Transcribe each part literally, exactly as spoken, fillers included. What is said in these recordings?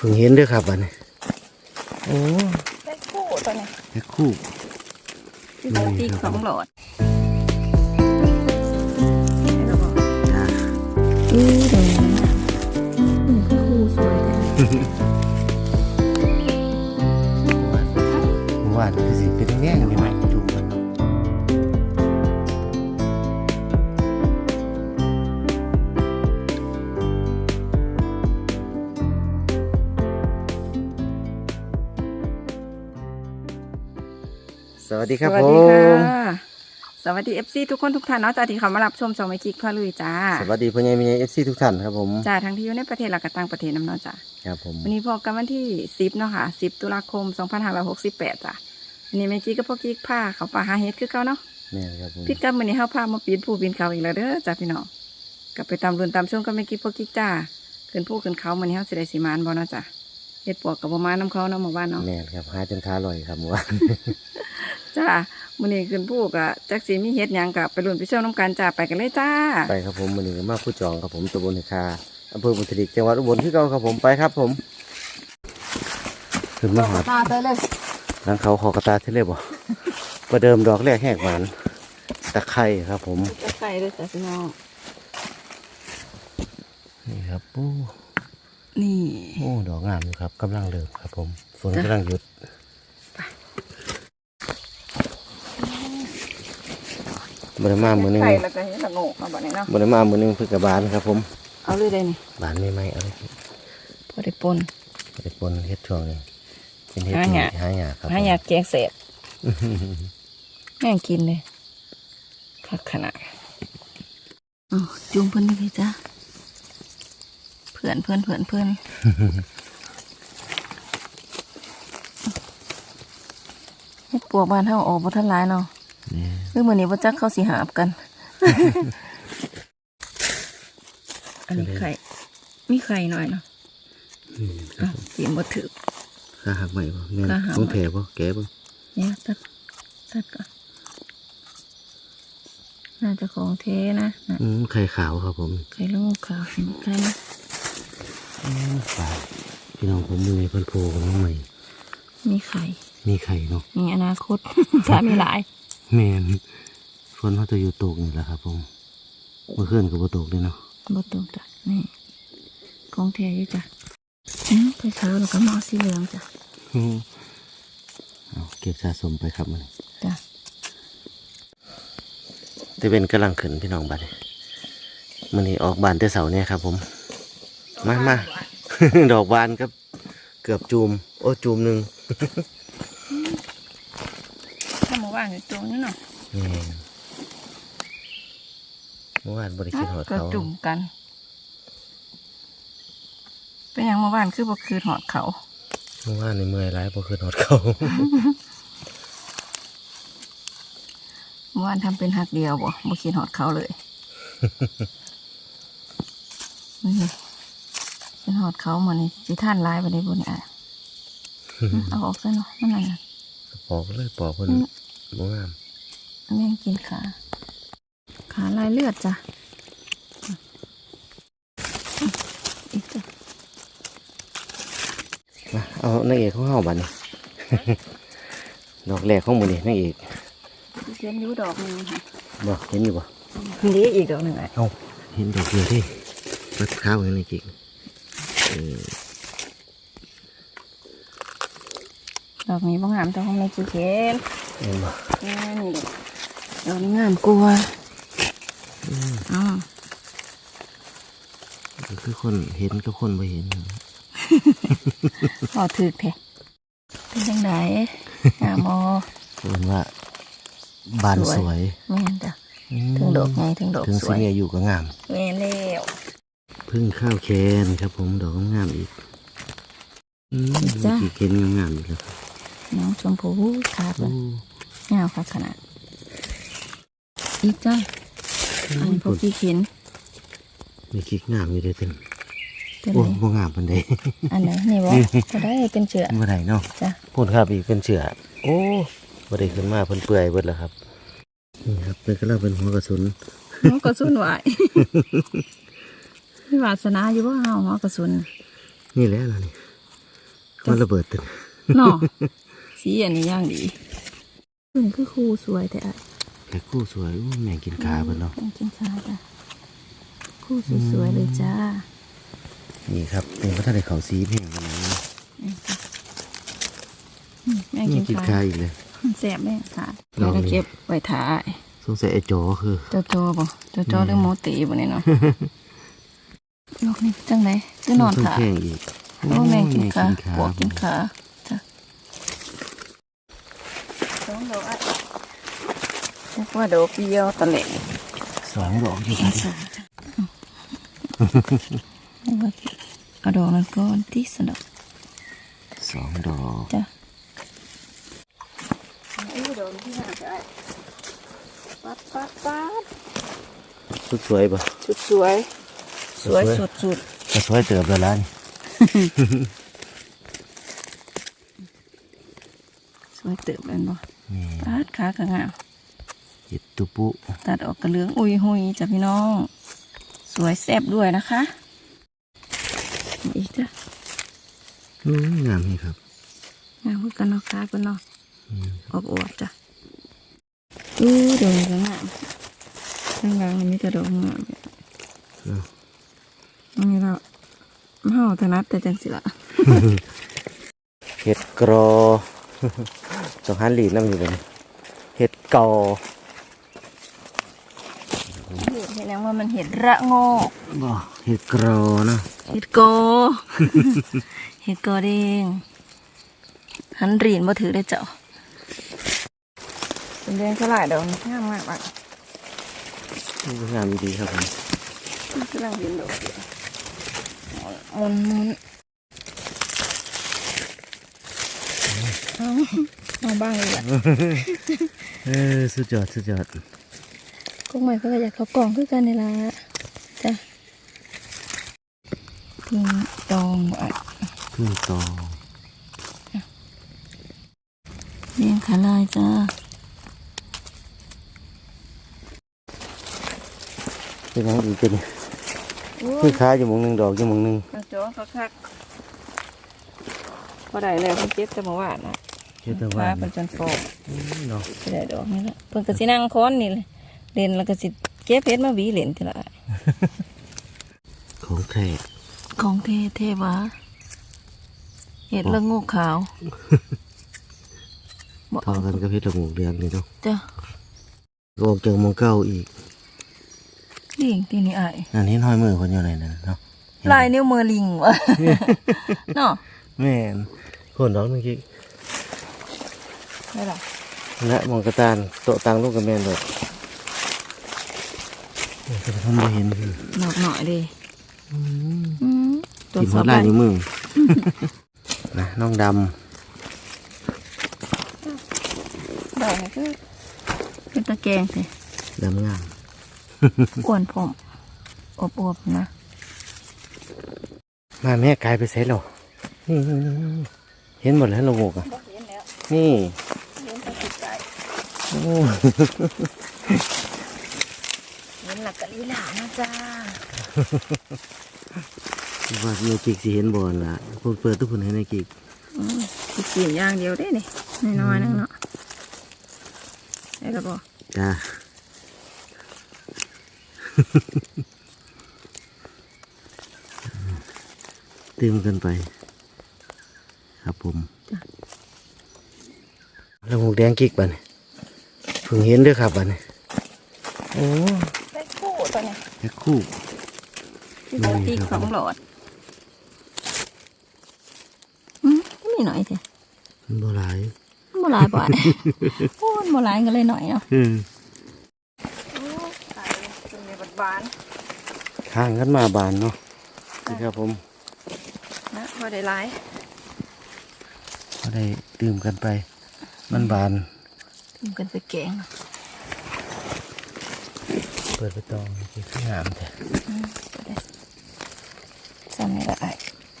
พิ่งเห็นด้วยครับอันนี้โอ้ได้คู่ตัวนี้แค่คู่ที่เขาตีสองหลอดจ้าอือเดี๋ยวนี้อือคู่สวยจังเมื่อวานคือสิเป็นแง่กันไหมจูบกันสวัสดีครับผมสวัสดีเอฟซีทุกคนทุกท่านเนาะจ้าที่เขามารับชมสองไมคิกพ่อลุยจ้าสวัสดีพ่อใหญ่แม่ใหญ่เอฟซีทุกท่านครับผมจ้าทั้งที่อยู่ในประเทศและก็ต่างประเทศน้ำเนาะจ้าครับผมวันนี้พบกันวันที่สิบเนาะค่ะสิบตุลาคมสองพันห้าร้อยหกสิบแปดจ้าวันนี้แม่กิ๊กกับพ่อกิ๊กพาเขาป่าหาเฮ็ดคือเขาเนาะนี่ครับผมพี่กับวันนี้เขาพามาปีนผู้ปีนเขาอีกแล้วเด้อจ้าพี่น้องกลับไปตามรุ่นตามช่วงกับแม่กิ๊กพ่อกิ๊กจ้าขึ้นผู้ขึ้นเขาวันนี้เขาสิได้สีมานบ่เนาะจ้าเฮ็ดปวกกับประมาณน้ำเขาเนาะหมู่บ้านเนาะแม่ครับหาจนขาลอยครับเมื่อวานจ้ามื้อนี้ขึ้นผู้กะจักสีมีเฮ็ดหยังกะไปรุ่นไปเชี่ยวน้ำกันจ้าไปกันเลยจ้าไปครับผมมื้อนี้ก็มาผู้จองครับผมตำบลเหคาอำเภอบุตรดิกจังหวัดอุบลที่เก่าครับผมไปครับผมขึ้นมาหาตาเตยเลยหลังเขาขอกระตาเทเลบ่ประเดิมดอกแรกแหกหวานตะไคร้ครับผมตะไคร้ด้วยจ้าพี่น้องนี่ครับโอ้นี่โอ้ดอกงามอยู่ครับกำลังเริ่มครับผมฝนกำลังหยุดบริมามือนึงไข่แล้วก็เห็ดละโงกมาบ่นี้เนาะบริมามือนึงเพื่อกระบาลครับผมเอาเลยได้นี่บานไม่ไหมเอาเลยพอได้ปนพอได้ปนเฮ็ดช่วงนี้เป็นเฮ็ดหาหยาครับหาหยาแกงเสพแม่งกินเลยคักขนาดอ๋อจุ่มเพื่อนเลยจ้าเพื่อนเพื่อนเพื่อนเพื่อนเฮ็ดปวกบ้านเฮาออกบ่ทันหลายเนาะเรื่องมื้อนี้บ่จักเข้าสิหาบกันอันนี้ไข่มีไข่หน่อยเนาะอ้าวเตรียมบ่ถึกขาหักใหม่บ่แม่นต้องแผลบ่แกบ่เนี่ยตัดตัดก่อนน่าจะของเทนะอืมไข่ขาวครับผมไข่ลูกขาวเห็นไข่ไหมฝาพี่น้องผมมือเพิ่นโผล่กันมาใหม่มีไข่มีไข่เนาะมีอนาคตถ้ามีหลายแม่นฝนเขาจะอยู่ตกนี่แหละครับผมเมื่อคืนก็บ่ตกเลยเนาะบ่ตกจ้ะนี่ของเทอยู่จ้ะอืมไข่ขาวแล้วก็มาสีเหลืองจ้ะเอาเก็บสะสมไปครับมันจ้ะจะเป็นกำลังขึ้นพี่น้องบ้านมันนี่ออกบานแต่เสาเนี่ยครับผมมามาดอกบานครับเกือบจูมโอ้จูมหนึ่งถ้าเมื่อวานอยู่ตรงนี้เนาะเมื่อวานบริกินหอดเขาจุ่มกันเป็นอย่างเมื่อวานคือบ่คืนหอดเขาเมื่อวานในเมื่อยร้ายบ่คืนหอดเขาเมื่อวานทำเป็นหักเดียวบ่บ่คืนหอดเขาเลยเป็นหอดเขาเหมือนนี่จีท่านลายไปได้บนอ่ะเอาออกซะเนาะนั่นน่ะปอกเลยปอกคนบ่งามแม่งกินขาขาลายเลือดจ้ะอีกจ้ะมาเอานางเอกของเฮาบัดนี้ดอกแรกของมื้อนี้นางเอกเห็นอยู่ดอกนึงค่ะบ่เห็นอยู่บ่นี่อีกดอกนึงอ่ะเอ้าเห็นดอกเดียวที่รัดข้าวอย่างนี้จริงดอกนี้บ่งามแต่ของในจีเคนเห็นบ่นี่นี่ดอกนี้งามกลัวอ๋อคือคนเห็นก็คนไม่เห็นพอถือแท้เป็นยังไงงามมอคนว่าบานสวยแม่นจ้ะถึงดอกไงถึงดอกถึงสีเนี่ยอยู่ก็งามแม่นแล้วพึ่งข้าวแคนครับผมดอกงามอีกจ้ากี่เคนงามอีกแล้วครับน้องชมพูขาดเลยงามค่ะขนาดอีกจ้าอันพวกกี่เข็นมีกิ๊กงามอยู่เลยเต็มโอ้โหงามปันใดอันไหนนี่วะก็ได้เป็นเชือกเมื่อไหร่เนาะจ้ะพูดครับอีกเป็นเชือกโอ้บริขึ้นมาเพิ่นเปื่อยเบิดแล้วครับนี่ครับเป็นก็เริ่มเป็นหัวกระสุนหัวกระสุนไหวมีวาสนาอยู่ว่าเอาหัวกระสุนนี่แหละนะนี่มันระเบิดตึงเนาะสีอันนี้ย่างดีตัวนี้คือคู่สวยแต่อ่ะแค่คู่สวยอู้แม่งกินขาเพิ่นเนาะแม่งกินขาจ้ะคู่สวยๆเลยจ้านี่ครับเป็นพระทะเลเขาสีเพ่งกันนะอืมแม่งนี่กิกินนขาขาอีกเลยแสบแม่งขาลองดิแล้วเก็บไว้ถ่ายสงสัยไอ้จอคือโจโจบ่โจโจหรือโมตีบ่เนี่ยเนาะลูกนี่จังไหนคือนอนเพิ่งขาแข้งอีกโอ้แม่งกินขาแม่งกินปวกกินขาจ้ะสองดอกอ่ะเรียกว่าดอกเดียวตะเละสองดอกอยู่กินสองจ้ะเอาไว้เอาดอกนั้นก่อนที่สะดอกสองดอกจ้ะไอ้ดอกที่หาได้ปัดปัดปัดสุดสวยปะสุดสวย สวยสุดสุดก็สวยเติบแล้วล่ะนี่สวยเติบเลยบ่นี่ปัดขากระงามเห็ดตุปุตัดออกกระเหลืองอุยหุยจ้ะพี่น้อง สวยแซ่บด้วยนะคะอีกจ้ะอืมงามนี่ครับงามเหมือนกันเนาะค้ากันเนาะอืมอวบอวบๆจ้ะอู้ดอกก็งามข้างล่างอันนี้จะดอกงามเนาะอันนี้เราเฮาถนัดแต่จังสิละเห็ดกรอ สองหันหลีดน้ำอยู่เลยเห็ดกอเห็ดเห็นแล้วว่ามันเห็ดระโงกบ่เห็ดกรอเนาะเห็ดโก เห็ดโกเด้งหันรีนมาถือได้เจ้าเป็นแดงสลายดอกงามมากอ่ะงามดีครับผมกำลังเห็นดอกอยู่หมุนหมุนเอาเอาบ้างเลยล่ะเออสุดยอดสุดยอดกุ้งใหม่เขาก็อยากเขากล่องคือกันนี่ละจ้ะพึ่งตองอ่ะพึ่งตองเลี้ยงขาลายจ้าเป็นยังอีกเป็นพึ่งค้าอยู่หมองหนึ่งดอกอยู่หมองหนึ่งมันจ้องเขาคักพอได้แล้วเพิ่นเก็บจะมาหวานนะเห็ดตะฟ้าวันเป็นจนฟอกอืมเนาะสิได้ดอกนี่ละเพิ่นก็สินั่งค้อนนี่เลยเล่นแล้วก็สิเก็บเพชรมาหวีเล่นทีละของแท้ของเทเทวะเห็ดละงูขาวบอกเท่ากันกับเห็ดละโงกเดือนนี่เนาะจ้ะก็ออกจากหมองเก้าอีกลิงตีนี่อายอันนี้ห้อยมือคนอยู่ไหนนะเนาะลายนิ้วมือลิงวะ เนาะแม่นคนดอกเมื่อกี้ได้หรอและหมองกระตานโตะตังลูกกับแม่นดอกโอ้ยแต่ผมไม่เห็นคือหน่อยหน่อยดิอืมอืมตัวกินสหัอวบลายได้นิ้วมือ นะน้องดได้ก็เป็นตะแกรงสิำดำงามอ้วนผมอบอวบๆนะมาแม่กลายไปเสร็จแล้วนี่นี่นี่นี่เห็นหมดแล้วละโงกอ่ะเห็นแล้วนี่เห็นตะกิดใจโอ้เห็นหลักกะลีหลานะจ้าว่าเมียกิกสิเห็นบอลละคนเปิดทุกคนให้ในกิกอืมสิกินอย่างเดียวได้นี่น้อยๆนึงเนาะได้แล้วบ่จ้า ตื่มกันไป ครับผมแล้วหมูแดงกิกบัดนเพิ่งเห็นเด้วยครับบัดนโอ้ได้คู่ตัวเนี้ยแค่คู่ที่ปกติสองหลอดอืมมีหน่อยสิมันบ่หลายโมลายบ่อยโอ้โมลายก็เลยหน่อยเนาะอืมโอ้ตายเลยเป็นในบัดบานข้างกันมาบานเนาะนี่ครับผมนะพอได้หลายก็ได้ตื่มกันไป มันบานทำกันไปแกงเปิดไปตองกิกงามแต่อืมก็ได้ซ้ำนี่ละไอ้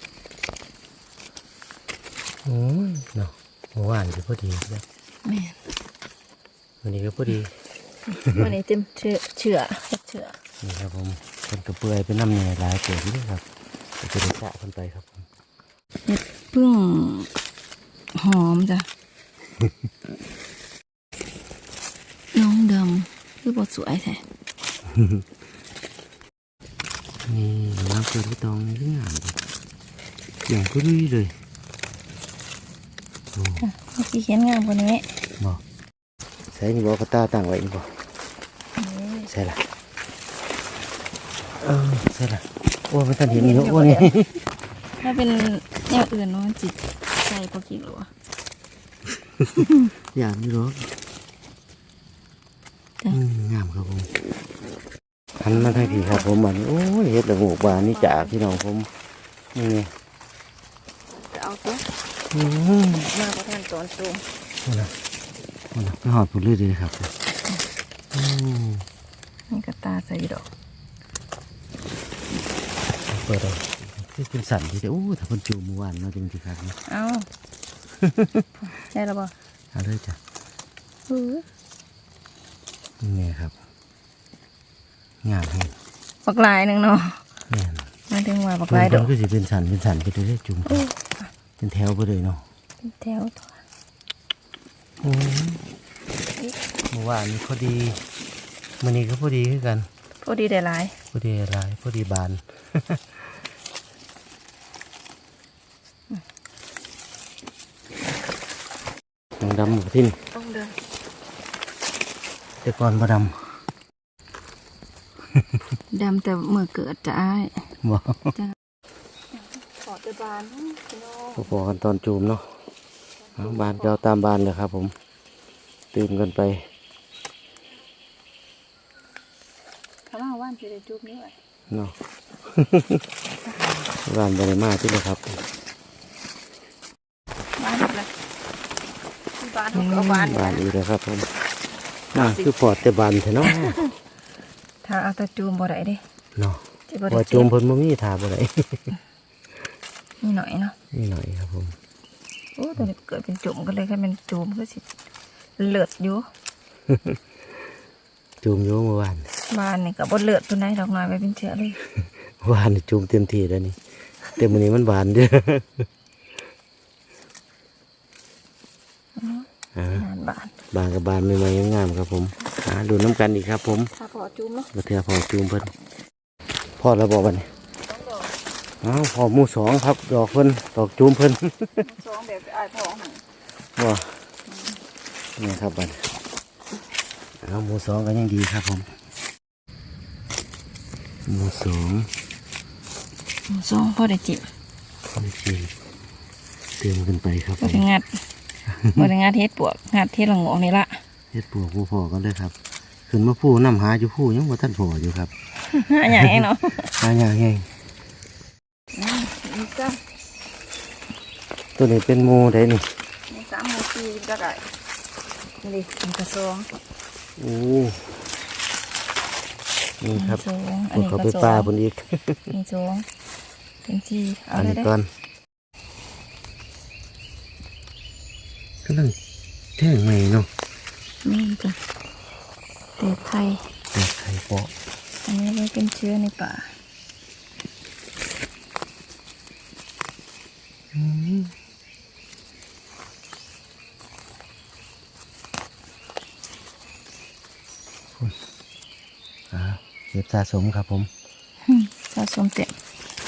โอ้ยเนาะเมื่อวานก็พอดีแล้วแม่นวันนี้ก็พอดีวันนี้เต็มเชื่อเชื่อเฮ็ดเชื่อนี่ครับผมเป็นกระเปื่อยเป็นน้ำเนยหลายเกิดนี่ครับก็จะได้สะกันไปครับผมเฮ็ดพึ่งหอมจ้ะ น้องดำคือบทสวยแท้นี่น้ำเกลือที่ตองนี่งามดิอย่างก็ลุยเลยโอ้ค่ะเมื่อกี้เขียนงามกว่านี้บอกใส่นี่บอกกระตาตั้งไว้นี่บอกใส่ละเออใส่ละโอ้ไม่ทันเห็นนี่เนอะโอ้นี่ถ้าเป็นแนวอื่นเนาะจิตใส่พอกี่โลอะอย่างนี้หรอกจ้ะอืมงามครับผมหันมาทางผีครับผมบัดนี้โอ้ยเฮ็ดละโงกบานนี่จากพี่น้องผมนี่ไงจะเอาตัวอืมมาประทานตอนสูงนี่นะนี่นะไปหอดผุดเรื่อยเลยครับอืมนี่ก็ตาใส่ดอกเปิดเอาคือเป็นสั่นที่จะโอ้ถ้าคนจูเมื่อวานเนาะจริงๆครับเนาะเอา ใช่แล้วบ่เอาเลยจ้ะเออนี่ไงครับงามให้ปักลายหนึ่งเนาะแม่นมาถึงว่าปักลาลาย ยดดออก กก็สิเป็นสันเป็นสันไปเรื่อยๆจุ่มเป็นแถวไปเลยเนาะเป็นแถวตัวโอ้ยเมื่อวานนี้พอดีมื้อนี้ก็พอดีคือกันพอดีได้หลายพอดีหลายพอดีบาน หนังดำหมูทิ้นต้องเดินแต่ก่อนบ่ดดำแต่เมื่อเกิดจะอ้ายำบ่ขอจะบานพี่น้องพอๆกันตอนจูมเนาะเอาบานก็เอาตามบานเลยครับผมตื่นกันไปข้าวว่านจะได้จุบนี้ไว้เนาะ บานบริมาที่เลยครับบ้านเลยบ้านเขาก็เอาบ้านบานอีกแล้วครับผมน่าคือปอดแต่บานเถอะเนาะถ้าเอาแตะจูมบ่ได้เด้เนาะจะบ่พได้อเจ็จูบมเพิ่นบ่มีทาบ่ได้นี่หน่อยเนาะนี่หน่อยครับผมโอ้แต่เกิดเป็นจุ่มก็เลยแค่เป็นจูมก็สิเลือดอยู่จูมอยู่เมื่อวานบ้านนี่ก็บ่เลือดตัวไหนดอกน้อยไปเป็นเชื้อเลยเมื่อวานนี่จูมเต็มที่แล้วนี่แต่มื้อนี้มันบานเด้อ อ่างานบ้านบานกับบานใหม่ๆงามๆครับผมหาดูน้ำกันอีกครับผมถ้าพอจูมเนาะบ่เทื่อพอจูมเพิ่นพอแล้วบ่บัดนี้ต้องดอกอ้าวพอหมู่สองครับ ดอกเพิ่นดอกจูมเพิ่นสองแบบอ้ายพ่อหั่นบ่นี่ครับบัดนี้เอาหมู่สองก็ยังดีครับผมหมู่สองสองพอได้จิบโอเคเติมขึ้นไปครับผบ่มได้งัดบ่ได้งัดเฮ็ดปวกงัดเฮ็ดละโงอกนี่ละเฮ็ดปลวกผู้พอกันเลยครับขึ้นมาผู้น้ำหาอยู่ผู้ยังบ่ทันพออยู่ครับหาหยังเองเนาะหาอย่างไงนี่จ้ะตัวนี้เป็นหมูได้นี่มีสามหมู่สี่จักไอ้นี่มันก็สองโอ้นี่ครับสองอัพนวกนี้เขาก็ไปสอป่าง บนอีกมีสองเป็นสี่เอาอันเลยนี้ได้ก่อนกำลังแท่งใหม่เนาะนี่จ้ะเตะไทยแต่ไข่เปาะอันนี้ไว้เป็นเชื้อในป่าอืมอ่าเก็บสะสมครับผมสะสมเต็ม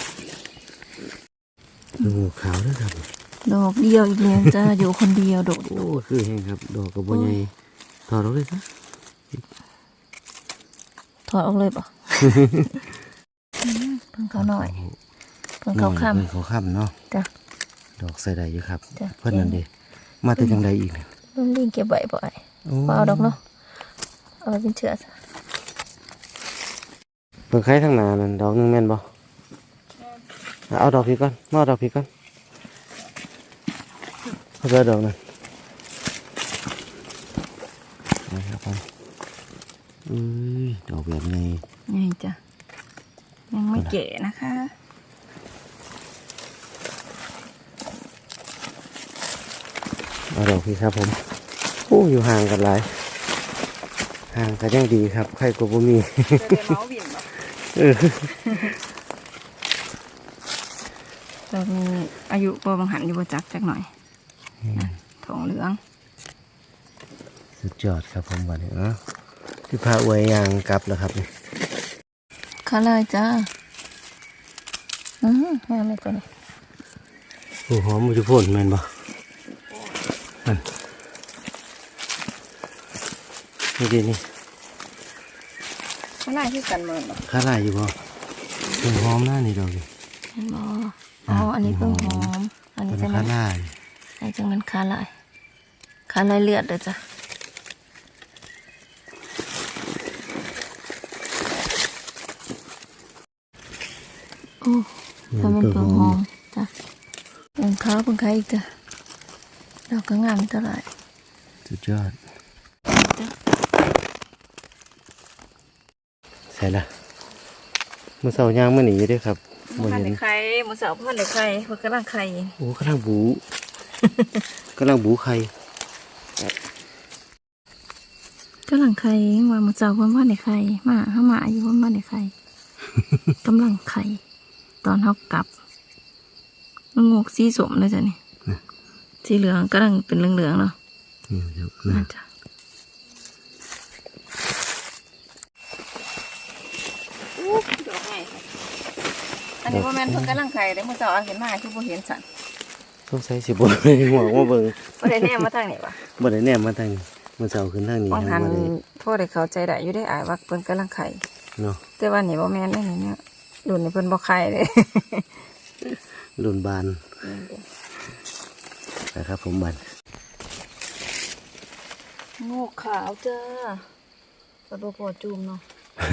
ดูขาวด้วยครับดอกเดียวอีกแล้วจ้าอยู่คนเดียวโดดโอ้คือแห้งครับ ดอกกระบอกใหญ่ถอดออกเลยครับถอดออกเลยป่ะ เพิ่งเขาหน่อยเพิ่งหน่เขาอยค่เพิ่งเขาค่ำเนาะำจ้ะดอกใส่ได้อยู่ครับจ้ะเพื่อนนั่นเดีมาแต่จังใดอีกเนี่ยลุงลิงเก็บใบบ่อยโอ้เปล่าดอกเนาะเอาไว้เป็นเชื้อซะเพิ่งไข่ทั้งหนานั่นดอกหนึงแม่นบ่เอาดอกพี่ก่อนมาเอาดอกพี่ก่อนเอาไปดอกนั่นนะครับผมอุ้ยดอกแบบนี้นี่จ้ะยังไม่เก๋นะคะเอาดอกพี่ครับผมโอ้อยู่ห่างกันหลายห่างกันยังดีครับใครก็บ่มีจะได้เมาส์บิ่นบ่เออตอนอกนี้อายุบ่บางหันอยู่บ่จักจักหน่อยนะทองเหลืองสุดยอดครับผมวันนี้เนาะพี่พาอวยยางกลับแล้วครับนี่ข้าเลยจ้าอือแม่ไม่ตัวนี้โอ้หอมมุจุพ่นแม่นบ่นั่นนี่ดินี่ข้าเลยที่กันเหมือนบ่ข้าลายอยู่บ่เพิ่งหอมหน้านี่ดอกนี่เห็นบ่อ๋ออันนี้เพิ่งหอมอันนี้เป็นจะข้ามันลายอันนี้จะมันข้าเลยข้าเลยเลือดเด้อจ้ะโอ้ทำมันเพิ่งหอมจ้ะเพิ่งขาวเพิ่งขาวอีกจ้ะดอกก็งามเท่าไหร่สุดยอดใส่ละมือเสาย่างมาหนีอยู่เด้วยครับมับ่นเห็ในนไข่มันเสาพันในไข่มันกำลังไข่โอ้กำลังบู กำลังบูไข่กำลังไข่ว่ามันเสาพันพันในไข่มาห้ามาอยู่พันพันในไข่ กำลังไข่ตอนเขากลับมันงกสีสมเลยจ้ะนี่สีเหลืองกำลังเป็นเหลืองๆเนาะนี่ครับน่านะจะดอกไงอันนี้ว่าแม่นเพิ่งกำลังไข่แต่มันเสาเอาเห็นมาคือบ่เห็นสันต้องใส่สิบนหัวมาเบิ่งบ่ได้แน่มาทางนี้วะบ่ได้แนมมาทางมือเสาขึ้นทางนี้มองทางหันบ่ได้พ่อได้เข้าใจได้อยู่ได้อายว่าเพิ่นกำลังไข่เนาะแต่ว่านี่บ่แม่นได้นี่เนี่ยรุ่นนี้เพิ่นบ่ไข่เลยรุ่นบานนะครับผมบันงูขาวจ้าสะดวกพอจูมเนาะ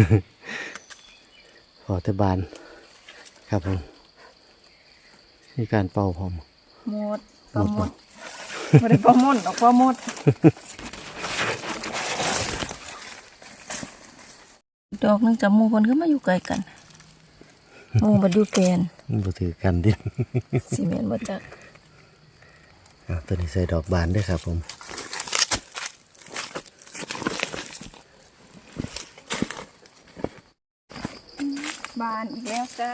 พอแต่บานครับผมมีการเป่าพร้อมหมดปลาหมดบ่ได้ปลาหมดดอกปลาหมดดอกหนึงจับหมู่เพิ่นคือมาอยู่ไกลกันหมู่บ่อยู่แกนมันบ่ถือกันดิสิแม่นบ่จักอ่ะตัวนี้ใส่ดอกบานด้วยครับผมบานอีกแล้วจ้า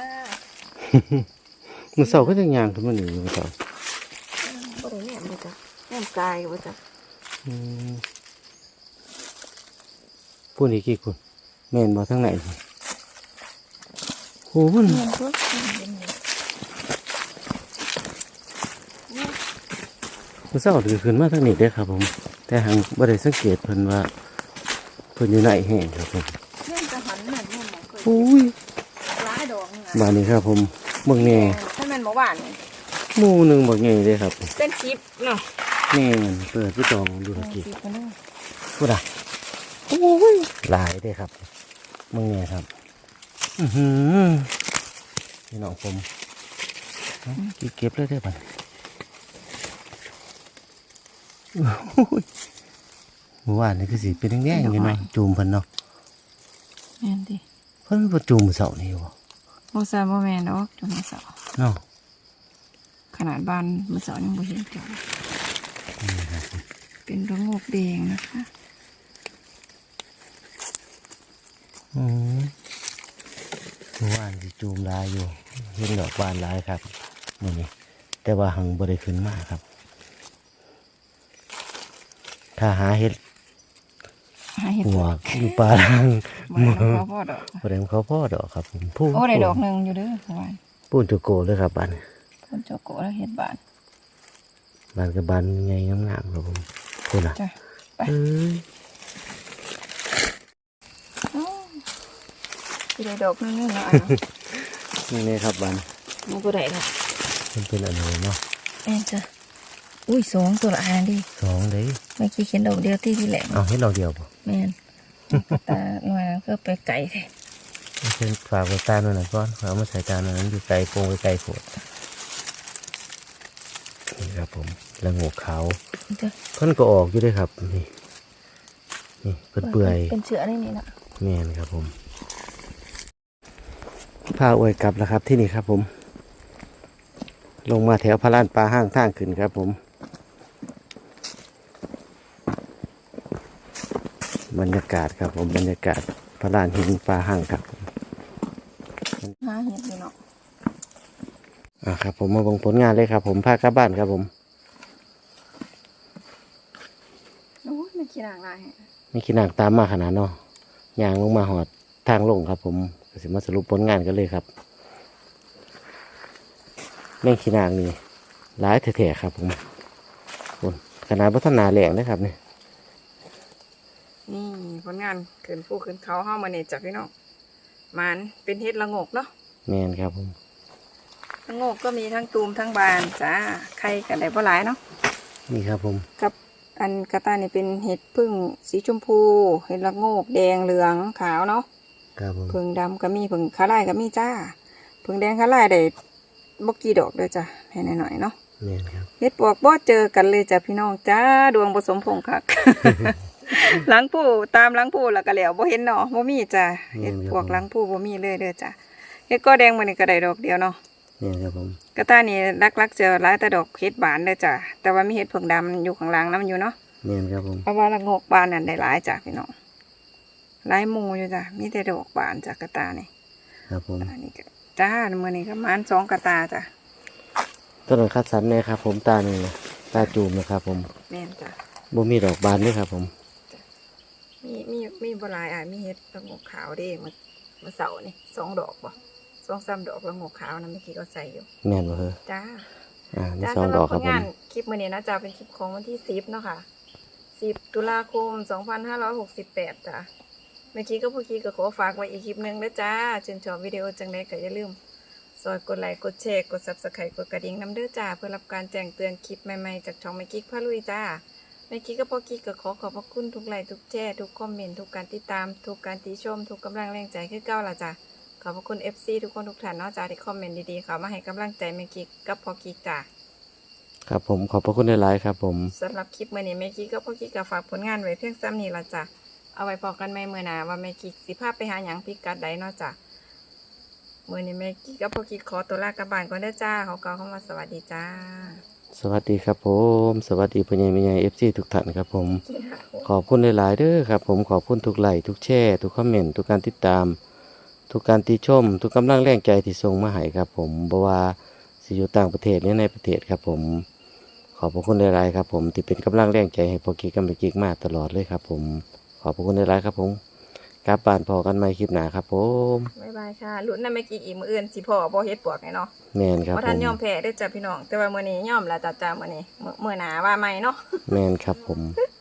มือเสาก็จะยางขึ้นมาหนีมือเสาบ่ได้แหนมบ่จักแหนมกายบ่จักอืมพูดอีกกี่คนแม่นบ่ทั้งไหนโหมันแม่นตัวเป็นไงมือเสาถือขึ้นมาทั้งนี้เด้อครับผม แต่หังบ่ได้สังเกตเพิ่นว่าเพิ่นอยู่ไหนแห้งครับผมแม่นจะหันแม่นแม่นหมอเคยโอ้ยหลายดอกนี่บานนี้ครับผมเบิ่งแน่ถ้าแม่นบ่หวานนี่หมู่หนึงบ่ใหญ่เด้อครับเป็นสิบเนาะแม่นเปิดผู้จองดูตะกี้สิบกันเด้อพูดอ่ะโอ้ยหลายเด้อครับเบิ่งแน่ครับอื้อหือพี่น้องผมเอาเก็บเลยได้อบัด โอ้ยเมื่อวานนี่คือสิเป็นแดงๆอยู่เนาะจูมเพิ่นเนาะแม่นดิเพิ่นบ่จูมมื้อเช้านี่บ่บ่ซาบ่แม่นดอกจนมื้อเสาร์เนาะขนาดบ้านมื้อเสาร์ยังบ่เห็นจอกเป็นระงกแดงนะคะอืมเมื่อวานสิจูมหลายอยู่เห็นดอกบานหลายครับมื้อนี้แต่ว่าหังบ่ได้ขึ้นมาครับ ถ้าหาเห็ดหาเห็ดหัวกอยู่ป่าล่างบ่ได้ดอกพ่อดอกบ่ได้เขาพ่อดอกครับผมพูโอ้ได้ดอกหนึงอยู่เด้อประมาณปูนจุโกเลยครับบ้านคนเจ้าโกแล้วเฮ็ดบ้านบ้านกับบ้านใหญ่งามๆครับผมพูดอ่ะจ้ะไปเอ้ยอ้าวสิได้ดอกหนึงเนาะนี่เลยครับบ้านมันบ่ได้ละมันเป็นอะไรเนาะแม่นจ้ะอุ้ยสองตัวละอันดิสองเลยเมื่อกี้เขียนดอกเดียวที่ที่แหลมเอาให้เราเดียวป่ะแม่นตาหน่อยก็ไปไก่แท้เช่นฝากไว้ตาหน่อยนะก้อนเอามาใส่ตาหน่อยนั้นอยู่ไกลโปงไปไกลโผดนี่ครับผมแล้วงูขาวจ้ะเพิ่นก็ออกอยู่ด้วยครับนี่นี่เปื่อยเปื่อยเป็นเชื้อนี่นี่นะแม่นครับผมพาอวยกลับแล้วครับที่นี่ครับผม ลงมาแถวพระลานปลาห้างทางขึ้นครับผม บรรยากาศครับผมบรรยากาศพระลานหินปลาห้างครับผมหาเห็ดอยู่เนาะอ่าครับผมมาเบิ่งผลงานเลยครับผมพากลับบ้านครับผมโอ้ยไม่ขี้หนักลายไม่คิดหนักตามมาขนาดเนาะยางลงมาหอดทางลงครับผมก็สิมาสรุปผลงานกันเลยครับแม่งขี้นางนี่หลายแถๆครับผมคนขนาดพัฒนาแหลงนะครับเนี่ยนี่ผลงานขึ้นผู้ขึ้นเขาเข้ามาเนี่ยจ้ะพี่น้องมันเป็นเห็ดละโงกเนาะแมนครับผมละโงกก็มีทั้งตูมทั้งบานจ้าไข่กันได้บ่หลายเนาะนี่ครับผมกับอันกระต่ายนี่เป็นเห็ดพึ่งสีชมพูเห็ดละโงกแดงเหลืองขาวเนาะครับผมผึ่งดำก็มีผึ่งขาลายก็มีจ้าผึ่งแดงขาลายได้บกี่ดอกเด้อจ้ะให้หน่อยๆเนาะแมนครับเฮ็ดปวกบ่เจอกันเลยจ้ะพี่น้องจ้าดวงผสมพงคัก หลังผู้ตามหลังผู้แล้วก็แล้วบ่เห็นเนาะบ่มีจ้ะเฮ็ดปวกหลังผู้บ่มีเลยเด้อจ้ะเฮ็ดก็แดงมื้อนี้ก็ได้ดอกเดียวเนาะแมนครับผมกระต่ายนี่ลักๆเจอหลายแต่ดอกเฮ็ดบานเด้อจ้ะแต่ว่ามีเฮ็ดผึ่งดำอยู่ข้างหลังนำอยู่เนาะแมนครับผมเพราะว่าละโงกบานนั่นได้หลายจ้ะพี่น้องหลายหมู่อยู่จ้ะมีแต่ดอกบานจ้ะกระต่ายนี่ครับผมอันนี้ก็จ้ามื้อนี้ก็ประมาณสองกระตาจ้ะต้นคัดสรรเนี่ยครับผมตาหนึ่งนะตาจูมนะครับผมแม่นจ้ะบ่มีดอกบานด้วยครับผมมีมีมีบหลายอ่ะมีเห็ดละโงกขาวเด้มามาเสาร์นี่สองดอกบ่สองสามดอกละโงกขาวนะเมื่อกี้ก็ใส่อยู่แม่นบ่เฮอจ้าอ่ามีจ้าสองสำหดรัอบ กผครับลผมงานคลิปมื้อนี้นะจ้าเป็นคลิปของวันที่สิบเนาะค่ะสิบตุลาคมสองพันห้าร้อยหกสิบแปดจ้าเมื่อกี้ก็เมื่อกี้ก็ขอฝากไว้อีกคลิปหนึงนะจ้าชื่นชอบวิดีโอจังไดก็อย่าลืมซอยกดไลค์กดแชร์กด ซับสไครบ์ กดกระดิ่งนำเด้อจ้าเพื่อรับการแจ้งเตือนคลิปใหม่ๆจากช่องแม่กิ๊กพาลุยจ้า แม่กิ๊กกับพ่อกิ๊กก็ขอขอบพระคุณทุกไลค์ทุกแชร์ทุกคอมเมนต์ทุกการติดตามทุกการติชมทุกกำลังแรงใจคือเก้าละจ้ะขอบพระคุณ เอฟ ซี ทุกคนทุกท่านเนาะจ้าที่คอมเมนต์ดีๆเขามาให้กำลังใจแม่กิ๊กกับพ่อกิ๊กจ้าครับผมขอบพระคุณหลายๆครับผมสำหรับคลิปมื่อนี้แม่กิ๊กกับพ่อกิ๊กก็ฝากผลงานไว้เพียงซ้ำนี้ละจ้ะเอาไว้พอกันใหม่เมื่อหน้าว่าแม่กิ๊กสิพาไปหาหยังพิกัดใดเนาะจ้ะมื่อนี้แม่กิ๊กกับพ่อกิ๊กขอตัวลากลับบ้านก่อนเด้อจ้าเขากล่าวคำว่าสวัสดีจ้าสวัสดีครับผม สวัสดีพ่อใหญ่แม่ใหญ่ เอฟ ซี ทุกท่านครับผม ขอบคุณหลายๆเด้อครับผมขอบคุณทุกไลค์ทุกแชร์ทุกคอมเมนต์ทุกการติดตาม ทุกการติชม ทุกกำลังแรงใจที่ส่งมาให้ครับผมบ่ว่าสิอยู่ต่างประเทศหรือในประเทศครับผม ขอบพระคุณหลายๆครับผมที่เป็นกำลังแรงใจให้พ่อกิ๊กกับแม่กิ๊กมาตลอดเลยครับผม ขอบพระคุณหลายๆครับผมกลับบ้านพอกันใหม่คลิปหน้าครับผมบ๊ายบายค่ะลุ้นนะแม่กิ๊กอีกมื้ออื่นสิพ่อบ่เฮ็ดปวกไงเนาะแม่นครับเพราะผท่านมยอมแพ้เด้อจ้ะพี่น้องแต่ว่ามื้อนี้ยอมแล้วจ้ะจ้ามื้อนี้มื้อมื้อหน้าว่าใหม่เนาะแม่นครับผมบ